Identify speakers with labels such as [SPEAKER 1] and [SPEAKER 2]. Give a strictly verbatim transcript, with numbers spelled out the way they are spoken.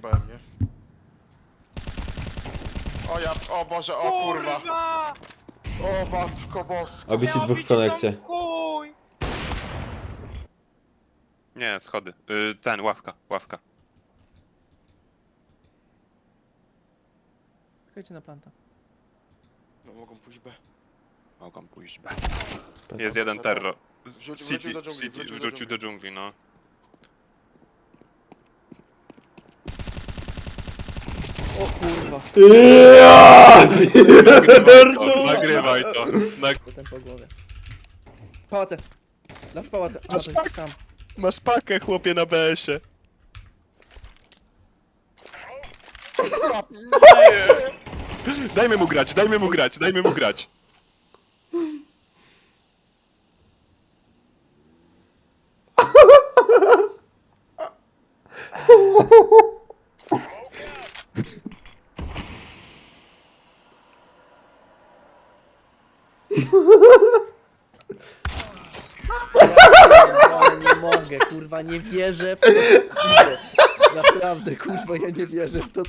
[SPEAKER 1] zajebałem, nie? O ja, o Boże, o kurwa!
[SPEAKER 2] Kurwa!
[SPEAKER 1] O matko boska!
[SPEAKER 3] Obici
[SPEAKER 2] Miało
[SPEAKER 3] dwóch w
[SPEAKER 2] być tam
[SPEAKER 3] konekcie.
[SPEAKER 2] chuj!
[SPEAKER 4] Nie, schody. Y, ten, ławka, ławka.
[SPEAKER 2] Czekajcie na planta.
[SPEAKER 1] No mogą pójść B.
[SPEAKER 4] Mogą pójść B. Jest jeden terror.
[SPEAKER 1] Wrzucił-
[SPEAKER 4] City,
[SPEAKER 1] wrócił do dżungli,
[SPEAKER 4] City,
[SPEAKER 1] wrócił do
[SPEAKER 4] wrócił do dżungli, no.
[SPEAKER 2] O kurwa.
[SPEAKER 3] Ja!
[SPEAKER 4] Nagrywaj to. Nag
[SPEAKER 2] Potem po głowie. Pałace! Las w pałace. A,
[SPEAKER 4] Masz
[SPEAKER 2] to
[SPEAKER 4] tak?
[SPEAKER 2] jest sam.
[SPEAKER 4] Masz pakę, chłopie, na B S-ie. Dajmy mu grać, dajmy mu grać, dajmy mu grać.
[SPEAKER 2] Ja nie mogę, kurwa, nie wierzę w to. co widzę. Naprawdę, kurwa, ja nie wierzę w to,